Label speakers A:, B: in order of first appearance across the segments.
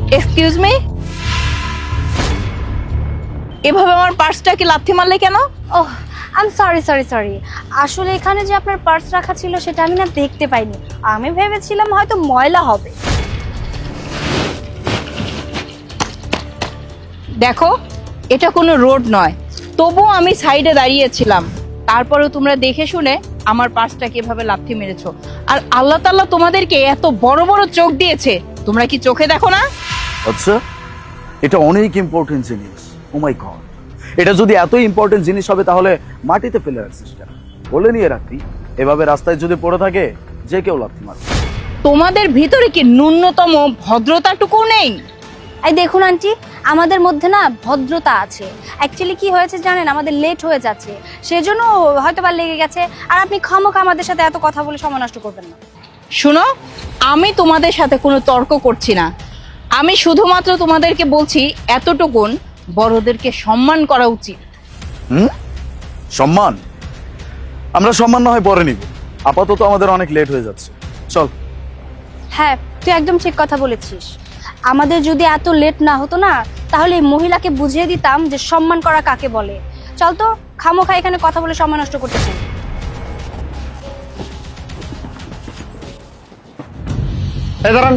A: Excuse me, এভাবে আমার পার্সটাকে লাথি মারলে কেন?
B: Oh, I am sorry sorry sorry. আসলে এখানে যে আপনার পার্স রাখা ছিল সেটা আমি না দেখতে পাইনি। আমি ভেবেছিলাম হয়তো ময়লা হবে।
A: দেখো, এটা কোনো রোড নয়, তবুও আমি সাইডে দাঁড়িয়েছিলাম, তারপরেও তোমরা দেখে শুনে আমার পার্সটাকে এভাবে লাথি মেরেছো। আর আল্লাহ তাআলা তোমাদেরকে এত বড় বড় চোখ দিয়েছে, তোমরা কি চোখে দেখো না?
C: আচ্ছা, এটা অনেক ইম্পর্টেন্ট জিনিস। ও মাই গড, এটা যদি এত ইম্পর্টেন্ট জিনিস হবে তাহলে মাটিতে ফেলে রাখছিস কেন? বলে নিয়ে রাখতি, এভাবে রাস্তায় যদি পড়ে থাকে যে কেউ লাথি মারবে।
A: তোমাদের ভিতরে কি ন্যূনতম ভদ্রতাটুকু নেই?
B: এই দেখুন আন্টি, আমাদের মধ্যে না ভদ্রতা আছে। অ্যাকচুয়ালি কি হয়েছে জানেন, আমাদের লেট হয়ে যাচ্ছে, সেজন্য হয়তো বা লেগে গেছে। আর আপনি খামোখা আমাদের সাথে এত কথা বলে সময় নষ্ট করবেন না।
A: শুনো, আমি তোমাদের সাথে কোনো তর্ক করছি না, আমি শুধুমাত্র তোমাদেরকে বলছি এতটুকুন, বড়দেরকে সম্মান করা উচিত।
C: সম্মান? আমরা সম্মান না হয় পরে নিব, আপাতত আমাদের অনেক লেট হয়ে যাচ্ছে, চল।
B: হ্যাঁ, তুই একদম ঠিক কথা বলেছিস। আমাদের যদি এত লেট না হতো না, তাহলে এই মহিলাকে বুঝিয়ে দিতাম যে সম্মান করা কাকে বলে। চল তো, খামোখা এখানে কথা বলে সময় নষ্ট করতেছি।
D: এই দাঁড়ান,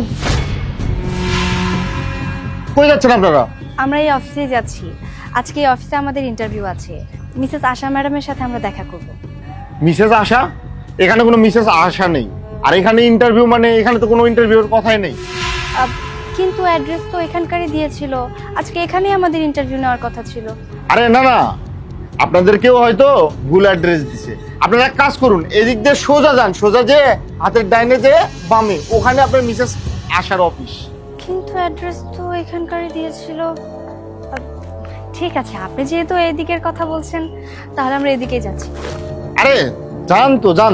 D: কই যাচ্ছেন আপনারা?
B: আমরা এই অফিসে যাচ্ছি। আজকে এই অফিসে আমাদের ইন্টারভিউ আছে। মিসেস আশা ম্যাডামের সাথে আমরা দেখা করব।
D: মিসেস আশা? এখানে কোনো মিসেস আশা নেই। আর এখানে ইন্টারভিউ মানে এখানে তো কোনো ইন্টারভিউর কথাই নেই।
B: কিন্তু অ্যাড্রেস তো এখানকারই দিয়েছিল। আজকে এখানেই আমাদের ইন্টারভিউ নেওয়ার কথা ছিল।
D: আরে না না, আপনাদেরকেও হয়তো ভুল অ্যাড্রেস দিছে। আপনারা এক কাজ করুন, এদিক দিয়ে সোজা যান, সোজা যে হাতের ডাইনে যে বামে, ওখানে আপনার মিসেস আশার অফিস।
B: কিন্তু অ্যাড্রেস তো এখানকারই দিয়েছিল। ঠিক আছে, আপনি যেহেতু এদিকের কথা বলছেন, তাহলে আমরা এদিকেই যাচ্ছি।
D: আরে যান তো, যান।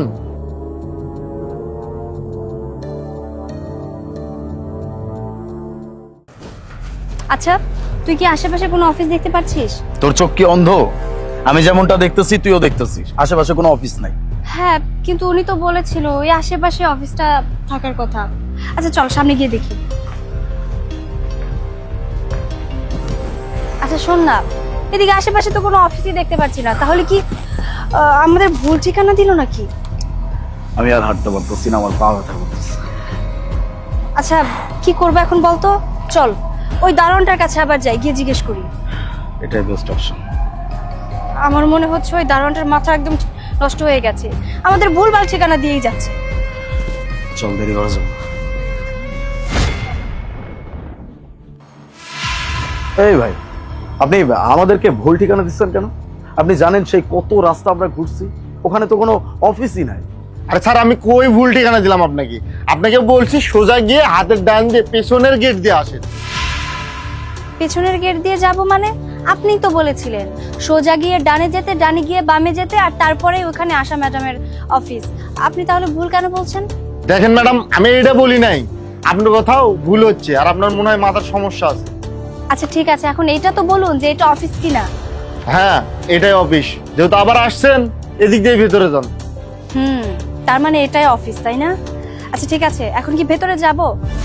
B: আচ্ছা, তুই কি আশেপাশে কোনো অফিস দেখতে পাচ্ছিস?
C: তোর চোখ কি অন্ধ? আমি যেমনটা দেখতেছি তুইও দেখতেছিস, আশেপাশে কোনো অফিস নাই।
B: হ্যাঁ, কিন্তু উনি তো বলেছিল ওই আশেপাশে অফিসটা থাকার কথা। আচ্ছা চল, সামনে গিয়ে দেখি। আচ্ছা শোন না, এদিকে আশেপাশে তো কোনো অফিসই দেখতে পাচ্ছি না। তাহলে কি আমাদের ভুল ঠিকানা দিল নাকি?
C: আমি আর হাঁটতে পারতেছি না, আমার পা ব্যথা করতেছে।
B: আচ্ছা কি করবো এখন বলতো? চল ওই দারোয়ানটার কাছে আবার যাই, গিয়ে জিজ্ঞেস করি।
C: এটাই বেস্ট অপশন।
B: আমার মনে হচ্ছে ওই দারোয়ানটার মাথা একদম নষ্ট হয়ে গেছে, আমাদের ভুলভাল ঠিকানা দিয়েই যাচ্ছে।
C: চল, দেরি করা যাবে। এই ভাই, আপনি আমাদেরকে ভুল ঠিকানা দিচ্ছেন কেন? আপনি জানেন সেই কত রাস্তা আমরা ঘুরছি, ওখানে তো কোনো অফিসই নাই।
D: আরে স্যার, আমি কই ভুল ঠিকানা দিলাম আপনাকে? আপনাকে বলছি সোজা গিয়ে হাতের ডান দিয়ে পেছনের গেট দিয়ে আসেন।
B: পেছনের গেট দিয়ে যাব মানে? আপনিই তো বলেছিলেন সোজা গিয়ে ডানে যেতে, ডানে গিয়ে বামে যেতে, আর তারপরে ওখানে আশা ম্যাডামের অফিস। আপনি তাহলে ভুল কেন বলছেন?
D: দেখেন ম্যাডাম, আমি এটা বলি নাই, আপনার কোথাও ভুল হচ্ছে, আর আপনার মনে হয় মাথার সমস্যা আছে।
B: আচ্ছা ঠিক আছে, এখন এইটা তো বলুন যে এটা অফিস কিনা।
D: হ্যাঁ, এটাই অফিস। যেহেতু আবার আসছেন, এদিক দিয়ে ভেতরে যান।
B: তার মানে এটাই অফিস, তাই না? আচ্ছা ঠিক আছে, এখন কি ভেতরে যাব?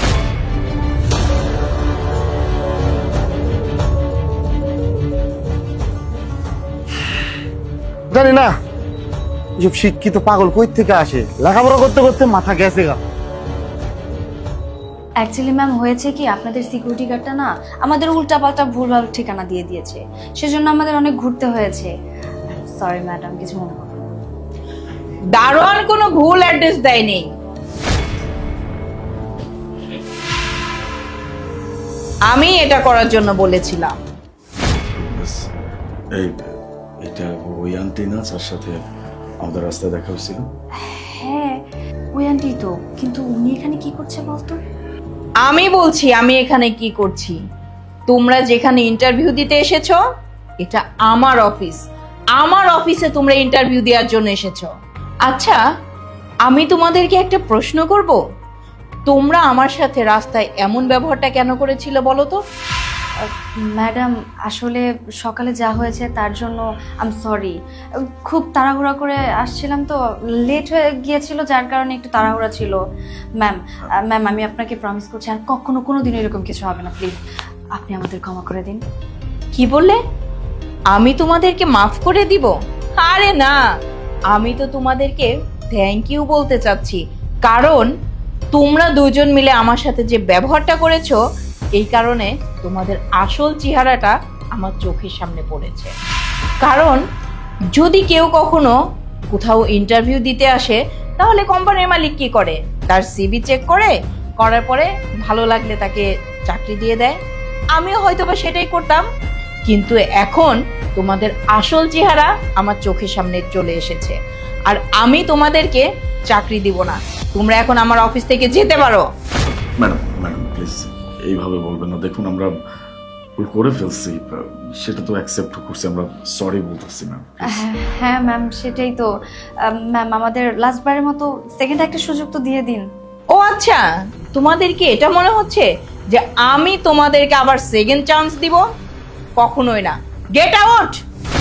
D: জানি না এসব শিক্ষিত পাগল কই থেকে আসে, লেখাপড়া করতে করতে মাথা গেছে গা।
B: অ্যাকচুয়ালি ম্যাম হয়েছে কি, আপনাদের সিকিউরিটি গার্ডটা না আমাদের উল্টাপাল্টা ভুলভাল ঠিকানা দিয়ে দিয়েছে, সেজন্য আমাদের অনেক ঘুরতে হয়েছে। সরি ম্যাডাম, কিছু মনে করবেন না।
A: দারোয়ান কোনো ভুল অ্যাড্রেস দেয়নি। আমি এটা করার জন্য বলেছিলাম।
C: এই এটা ওই আন্টি না যার সাথে আমাদের রাস্তায় দেখা হয়েছিল?
B: হ্যাঁ ওই আন্টি তো, কিন্তু উনি এখানে কি করছে বলতো?
A: আমি বলছি আমি এখানে কি করছি। তোমরা যেখানে ইন্টারভিউ দিতে এসেছো, এটা আমার অফিস। আমার অফিসে তোমরা ইন্টারভিউ দেওয়ার জন্য এসেছো। আচ্ছা, আমি তোমাদেরকে একটা প্রশ্ন করব, তোমরা আমার সাথে রাস্তায় এমন ব্যবহারটা কেন করেছিলে বলো তো?
B: ম্যাডাম আসলে সকালে যা হয়েছে তার জন্য আই এম সরি। খুব তাড়াহুড়া করে আসছিলাম তো, লেট হয়ে গিয়েছিল যার কারণে একটু তাড়াহুড়া ছিল। ম্যাম আমি আপনাকে প্রমিস করছি আর কখনো কোনো দিন এরকম কিছু হবে না, প্লিজ আপনি আমাদের ক্ষমা করে দিন।
A: কি বললে? আমি তোমাদেরকে মাফ করে দিব? আরে না, আমি তো তোমাদেরকে থ্যাংক ইউ বলতে চাচ্ছি, কারণ তোমরা দুজন মিলে আমার সাথে যে ব্যবহারটা করেছো এই কারণে তোমাদের আসল চেহারাটা আমার চোখের সামনে পড়েছে। কারণ যদি কেউ কখনো কোথাও ইন্টারভিউ দিতে আসে তাহলে কোম্পানির মালিক কি করে? তার সিভি চেক করার পরে ভালো লাগলে তাকে চাকরি দিয়ে দেয়। আমিও হয়তোবা সেটাই করতাম, কিন্তু এখন তোমাদের আসল চেহারা আমার চোখের সামনে চলে এসেছে আর আমি তোমাদেরকে চাকরি দিব না। তোমরা এখন আমার অফিস থেকে যেতে পারো।
E: ম্যাডাম ম্যাডাম প্লিজ এইভাবে বলবেন না। দেখুন আমরা ভুল করে ফেলছি, সেটা তো অ্যাকসেপ্ট করছি, আমরা সরি বলতেছি ম্যাম।
B: হ্যাঁ ম্যাম সেটাই তো। ম্যাম আমাদের লাস্টবারের মতো সেকেন্ড একটা সুযোগ তো দিয়ে দিন।
A: ও আচ্ছা, তোমাদেরকে এটা মনে হচ্ছে যে আমি তোমাদেরকে আবার সেকেন্ড চান্স দিব? কখনোই না। Get out.